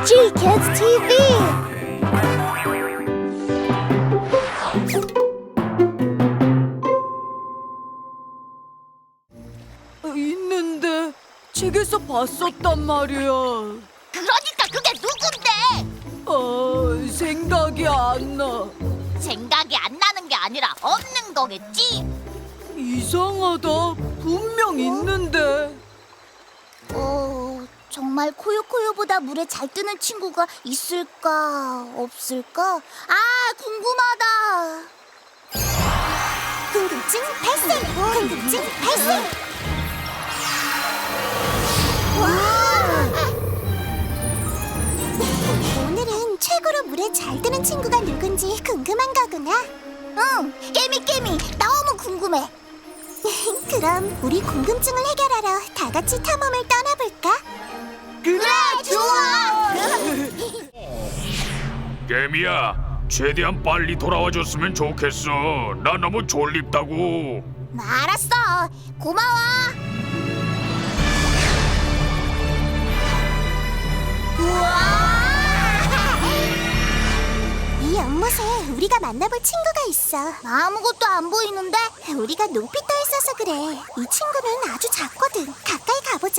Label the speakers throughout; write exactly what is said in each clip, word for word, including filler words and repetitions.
Speaker 1: G-Kids 티비.
Speaker 2: 있는데 책에서 봤었단 말이야.
Speaker 3: 그러니까 그게 누군데?
Speaker 2: 아, 생각이 안 나.
Speaker 3: 생각이 안 나는 게 아니라 없는 거겠지?
Speaker 2: 이상하다. 분명 있는데.
Speaker 1: 어, 정말 코요코요보다 물에 잘 뜨는 친구가 있을까 없을까? 아, 궁금하다. 궁금증 발생! 궁금증 발생! 와! 오늘은 최고로 물에 잘 뜨는 친구가 누군지 궁금한 거구나. 응, 깨미 깨미 너무 궁금해. 그럼 우리 궁금증을 해결하러 다 같이 탐험을 떠나볼까?
Speaker 2: 그래,
Speaker 1: 좋아!
Speaker 4: 개미야, 최대한 빨리 돌아와줬으면 좋겠어. 나 너무 졸립다고.
Speaker 1: 알았어, 고마워. 우와! 이 연못에 우리가 만나볼 친구가 있어. 아무것도 안 보이는데? 우리가 높이 떠 있어서 그래. 이 친구는 아주 작거든. 가까이 가보자.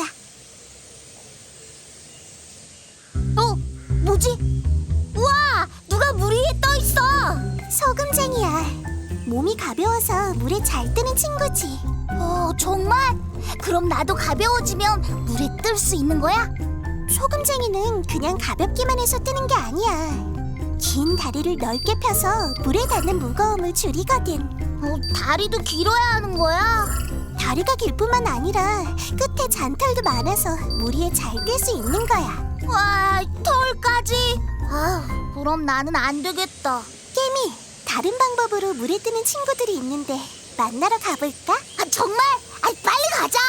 Speaker 1: 어? 뭐지? 우와! 누가 물 위에 떠 있어! 소금쟁이야. 몸이 가벼워서 물에 잘 뜨는 친구지. 어, 정말? 그럼 나도 가벼워지면 물에 뜰 수 있는 거야? 소금쟁이는 그냥 가볍기만 해서 뜨는 게 아니야. 긴 다리를 넓게 펴서 물에 닿는 무거움을 줄이거든. 어, 다리도 길어야 하는 거야? 다리가 길 뿐만 아니라 끝에 잔털도 많아서 물 위에 잘 뜰 수 있는 거야. 와, 털까지? 아, 그럼 나는 안 되겠다. 깨미, 다른 방법으로 물에 뜨는 친구들이 있는데 만나러 가볼까? 아, 정말? 아, 빨리 가자.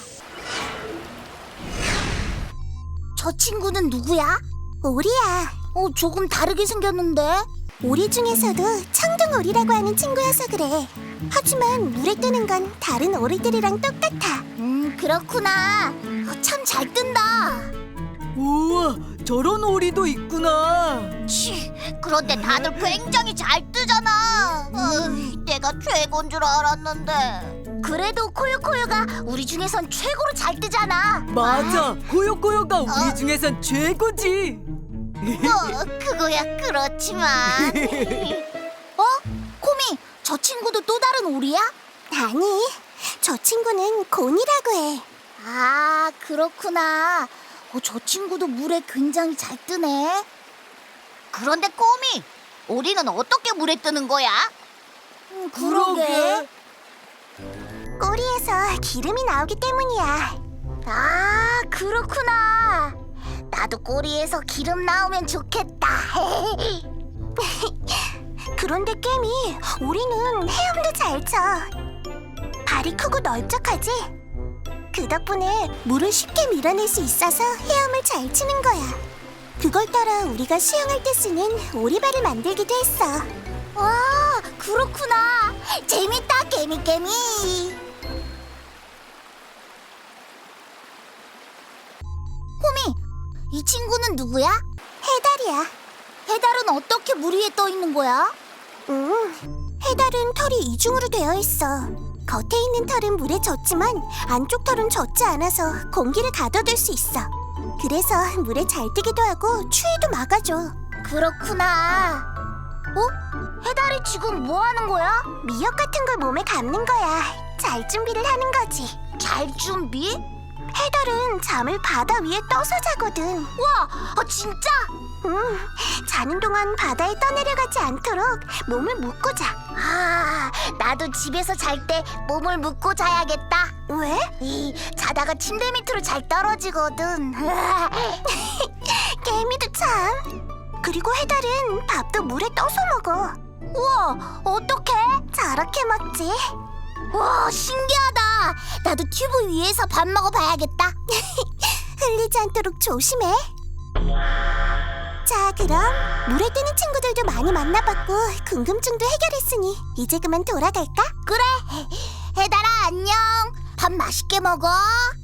Speaker 1: 저 친구는 누구야? 오리야. 어, 조금 다르게 생겼는데? 오리 중에서도 청둥오리라고 하는 친구여서 그래. 하지만 물에 뜨는 건 다른 오리들이랑 똑같아. 음, 그렇구나. 어, 참 잘 뜬다.
Speaker 2: 우와, 저런 오리도 있구나.
Speaker 3: 치, 그런데 다들 굉장히 잘 뜨잖아. 어이, 내가 최고인 줄 알았는데.
Speaker 1: 그래도 코요코요가 우리 중에선 최고로 잘 뜨잖아.
Speaker 2: 맞아, 코요코요가 우리
Speaker 3: 어?
Speaker 2: 중에선 최고지.
Speaker 3: 어, 그거야 그렇지만.
Speaker 1: 어? 코미, 저 친구도 또 다른 오리야? 아니, 저 친구는 곤이라고 해. 아, 그렇구나. 어, 저 친구도 물에 굉장히 잘 뜨네.
Speaker 3: 그런데 꼬미, 오리는 어떻게 물에 뜨는 거야?
Speaker 1: 음,
Speaker 2: 그러게.
Speaker 1: 꼬리에서 기름이 나오기 때문이야. 아, 그렇구나. 나도 꼬리에서 기름 나오면 좋겠다. 그런데 깨미, 우리는 헤엄도 잘 쳐. 발이 크고 넓적하지? 그 덕분에 물을 쉽게 밀어낼 수 있어서 헤엄을 잘 치는 거야. 그걸 따라 우리가 수영할 때 쓰는 오리발을 만들기도 했어. 와, 그렇구나. 재밌다, 깨미 깨미. 호미, 이 친구는 누구야? 해달이야. 해달은 어떻게 물 위에 떠 있는 거야? 음, 해달은 털이 이중으로 되어 있어. 겉에 있는 털은 물에 젖지만 안쪽 털은 젖지 않아서 공기를 가둬둘 수 있어. 그래서 물에 잘 뜨기도 하고 추위도 막아줘. 그렇구나. 어? 해달이 지금 뭐 하는 거야? 미역 같은 걸 몸에 감는 거야. 잘 준비를 하는 거지. 잘 준비? 해달은 잠을 바다 위에 떠서 자거든. 와, 아, 진짜? 응, 자는 동안 바다에 떠내려가지 않도록 몸을 묶고 자. 아, 나도 집에서 잘 때 몸을 묶고 자야겠다. 왜? 이, 자다가 침대 밑으로 잘 떨어지거든. 개미도 참. 그리고 해달은 밥도 물에 떠서 먹어. 우와, 어떡해? 저렇게 먹지. 와, 신기하다. 나도 튜브 위에서 밥 먹어봐야겠다. 흘리지 않도록 조심해. 자, 그럼 물에 뜨는 친구들도 많이 만나봤고 궁금증도 해결했으니 이제 그만 돌아갈까? 그래. 해달아, 안녕. 밥 맛있게 먹어.